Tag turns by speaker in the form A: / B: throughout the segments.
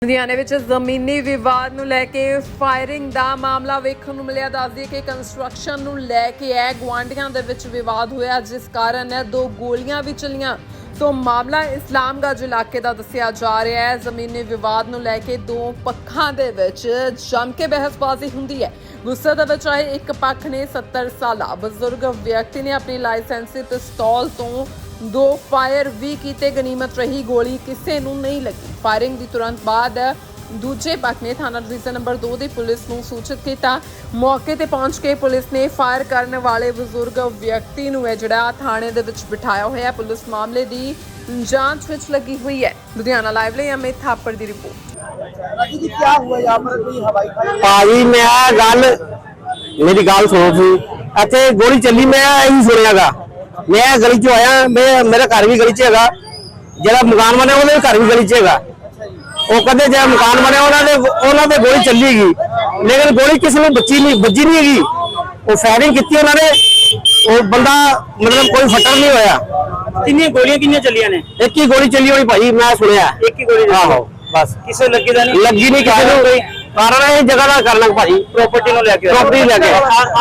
A: ਲੁਧਿਆਣੇ ਵਿੱਚ ਜ਼ਮੀਨੀ ਵਿਵਾਦ ਨੂੰ ਲੈ ਕੇ ਫਾਇਰਿੰਗ ਦਾ ਮਾਮਲਾ ਵੇਖਣ ਨੂੰ ਮਿਲਿਆ। ਦੱਸਦੀ ਕਿ ਕੰਸਟਰਕਸ਼ਨ ਨੂੰ ਲੈ ਕੇ ਗੁਆਂਢੀਆਂ ਦੇ ਵਿੱਚ ਵਿਵਾਦ ਹੋਇਆ, ਜਿਸ ਕਾਰਨ ਦੋ ਗੋਲੀਆਂ ਵੀ ਚੱਲੀਆਂ। ਸੋ ਮਾਮਲਾ ਇਸਲਾਮਗੰਜ ਇਲਾਕੇ ਦਾ ਦੱਸਿਆ ਜਾ ਰਿਹਾ ਹੈ। ਜ਼ਮੀਨੀ ਵਿਵਾਦ ਨੂੰ ਲੈ ਕੇ ਦੋ ਪੱਖਾਂ ਦੇ ਵਿੱਚ ਜੰਮ ਕੇ ਬਹਿਸਬਾਜ਼ੀ ਹੁੰਦੀ ਹੈ। ਗੁੱਸੇ ਦੇ ਵਿੱਚ ਆਏ ਇੱਕ ਪੱਖ ਨੇ 70 ਸਾਲਾ ਬਜ਼ੁਰਗ ਵਿਅਕਤੀ ਨੇ ਆਪਣੀ ਲਾਇਸੈਂਸੀ ਪਿਸਤੌਲ ਤੋਂ ਦੋ ਫਾਇਰ ਵੀ ਕੀਤੇ। ਗਨੀਮਤ ਰਹੀ ਗੋਲੀ ਕਿਸੇ ਨੂੰ ਨਹੀਂ ਲੱਗੀ। ਫਾਇਰਿੰਗ ਦੀ ਤੁਰੰਤ ਬਾਅਦ ਦੂਜੇ ਪੱਖ ਨੇ ਥਾਣਾ ਡਿਵੀਜ਼ਨ ਨੰਬਰ 2 ਦੀ ਪੁਲਿਸ ਨੂੰ ਸੂਚਿਤ ਕੀਤਾ। ਮੌਕੇ ਤੇ ਪਹੁੰਚ ਕੇ ਪੁਲਿਸ ਨੇ ਫਾਇਰ ਕਰਨ ਵਾਲੇ ਬਜ਼ੁਰਗ ਵਿਅਕਤੀ ਨੂੰ ਜਿਹੜਾ ਥਾਣੇ ਦੇ ਵਿੱਚ ਬਿਠਾਇਆ ਹੋਇਆ। ਪੁਲਿਸ ਮਾਮਲੇ ਦੀ ਜਾਂਚ ਵਿੱਚ ਲੱਗੀ हुई है। लुधियाना लाइव ਲਈ अमित थापर ਦੀ रिपोर्ट।
B: क्या हुआ यहाँ पर कोई हवाई फायर?
C: भाजी मैं गल मेरी गल सुनो सी इतने गोली चली मैं यही सुनियागा। मैं गली चो आया, मेरा घर भी गली च है, जरा मकान बने उन्होंने घर भी गली च है। वो कहते जो मकान बने उन्होंने गोली चली गई, लेकिन गोली किसी ने बची नहीं हैगी। वो फायरिंग की उन्होंने, वो बंदा मतलब कोई फटर नहीं होया।
B: कितनी गोलियां चलियां ने?
C: एक ही गोली चली होनी भाई, मैं सुनिया
B: एक ही गोली?
C: आहो बस
B: किसे लगी था? नहीं
C: लगी नहीं किसी को। कारण है जगह का कर लग भाई,
B: प्रॉपर्टी नु लेके
C: प्रॉपर्टी लेके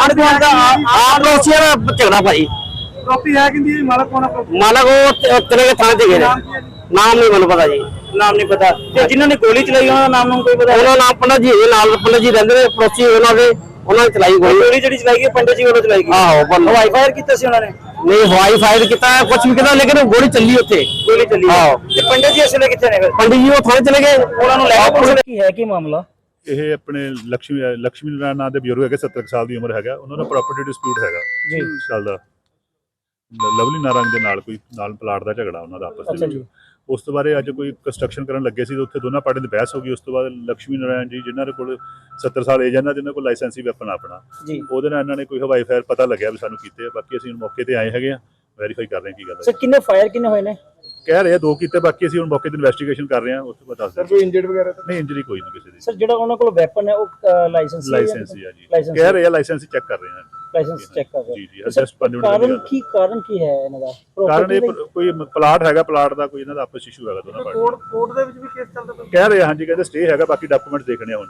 C: आप झगड़ा भाई।
B: प्रॉपर्टी है कि मालक कौन है?
C: मालक वो तेरे के थाने से गए, नाम नहीं मैंने पता जी।
B: नाम नहीं पता। ते जिन्होंने गोली चलाई उन्होंने नाम कोई पता?
C: उन्होंने नाम पंडित जी नाल पंडित जी रहंदे ने पड़ोसी, उन्होंने चलाई
B: गोली जी चलाई गई पंडित जी वालों चलाई गई।
C: आहो
B: हवाई फायर किया सी उन्होंने?
C: नहीं हवाई फायर किया कुछ भी किया, लेकिन गोली चली उत्थे।
B: गोली चली।
C: आहो
B: ते पंडित जी असले किथे ने?
C: पंडित जी वो थाने चले गए,
B: उन्होंने लेके पुलिस की है की मामला?
D: ਇਹ ਆਪਣੇ ਲక్ష్ਮੀ ਨਾਰਾਇਣ ਨਾਂ ਦੇ ਬਜ਼ੁਰਗ ਹੈਗੇ, 70 ਸਾਲ ਦੀ ਉਮਰ ਹੈਗਾ। ਉਹਨਾਂ ਦਾ ਪ੍ਰਾਪਰਟੀ ਡਿਸਪਿਊਟ ਹੈਗਾ
B: ਜੀ
D: ਚੱਲਦਾ। ਲਵਲੀ ਨਾਰਾਇਣ ਦੇ ਨਾਲ ਕੋਈ ਪਲਾਟ ਦਾ ਝਗੜਾ ਉਹਨਾਂ ਦਾ ਆਪਸ ਦੇ ਵਿੱਚ। ਉਸ ਤੋਂ ਬਾਅਦ ਅੱਜ ਕੋਈ ਕੰਸਟਰਕਸ਼ਨ ਕਰਨ ਲੱਗੇ ਸੀ ਤੇ ਉੱਥੇ ਦੋਨਾਂ ਪਾਰਟੀਆਂ ਦੀ ਬਹਿਸ ਹੋ ਗਈ। ਉਸ ਤੋਂ ਬਾਅਦ ਲక్ష్ਮੀ ਨਾਰਾਇਣ ਜੀ ਜਿਨ੍ਹਾਂ ਦੇ ਕੋਲ 70 ਸਾਲ ਏਜ ਹੈ, ਜਿਨ੍ਹਾਂ ਕੋਲ ਲਾਇਸੈਂਸੀ ਵੈਪਨ ਆਪਣਾ, ਉਹਦੇ ਨਾਲ ਇਹਨਾਂ ਨੇ ਕੋਈ ਹਵਾਈ ਫਾਇਰ ਪਤਾ ਲੱਗਿਆ ਵੀ ਸਾਨੂੰ ਕੀਤੇ। ਬਾਕੀ ਅਸੀਂ ਹੁਣ ਮੌਕੇ ਤੇ ਆਏ ਹੈਗੇ ਆ, ਵੈਰੀਫਾਈ ਕਰ ਰਹੇ ਹਾਂ ਕੀ ਗੱਲ ਹੈ।
B: ਸਰ ਕਿੰਨੇ ਫਾਇਰ ਕਿੰਨੇ ਹੋਏ ਨੇ?
D: ਕਹਿ ਰਹੇ ਆ ਦੋ ਕੀਤੇ, ਬਾਕੀ ਅਸੀਂ ਹੁਣ ਮੌਕੇ ਤੇ ਇਨਵੈਸਟੀਗੇਸ਼ਨ ਕਰ ਰਹੇ ਹਾਂ। ਉਸ ਤੋਂ ਬਾਅਦ ਦੱਸ
B: ਕੋਈ ਇੰਜਰਡ ਵਗੈਰਾ
D: ਨਹੀਂ, ਇੰਜਰੀ ਕੋਈ ਨਹੀਂ ਕਿਸੇ ਦੀ।
B: ਸਰ ਜਿਹੜਾ ਉਹਨਾਂ ਕੋਲ ਵੈਪਨ ਹੈ ਉਹ ਲਾਇਸੈਂਸ
D: ਹੀ ਆ ਜੀ, ਕਹਿ ਰਹੇ ਆ ਲਾਇਸੈਂਸ ਚੈੱਕ ਕਰ ਰਹੇ ਹਾਂ।
B: ਲਾਇਸੈਂਸ ਚੈੱਕ ਕਰ ਰਹੇ
D: ਜੀ ਜੀ ਜਸਟ 5 ਮਿੰਟ ਦੀ
B: ਕਾਰਨ ਕੀ ਹੈ ਇਹਨਾਂ ਦਾ?
D: ਕਾਰਨ ਇਹ ਕੋਈ ਪਲਾਟ ਹੈਗਾ, ਪਲਾਟ ਦਾ ਕੋਈ ਇਹਨਾਂ ਦਾ ਆਪਸ ਇਸ਼ੂ ਹੈਗਾ ਦੋਨਾਂ ਪਾਰਟੀਆਂ।
B: ਕੋਰਟ ਦੇ ਵਿੱਚ ਵੀ ਕੇਸ ਚੱਲਦਾ ਪਿਆ?
D: ਕਹਿ ਰਹੇ ਹਾਂਜੀ, ਕਹਿੰਦੇ ਸਟੇ ਹੈਗਾ, ਬਾਕੀ ਡਾਕੂਮੈਂਟ ਦੇਖਣੇ ਹੁਣ।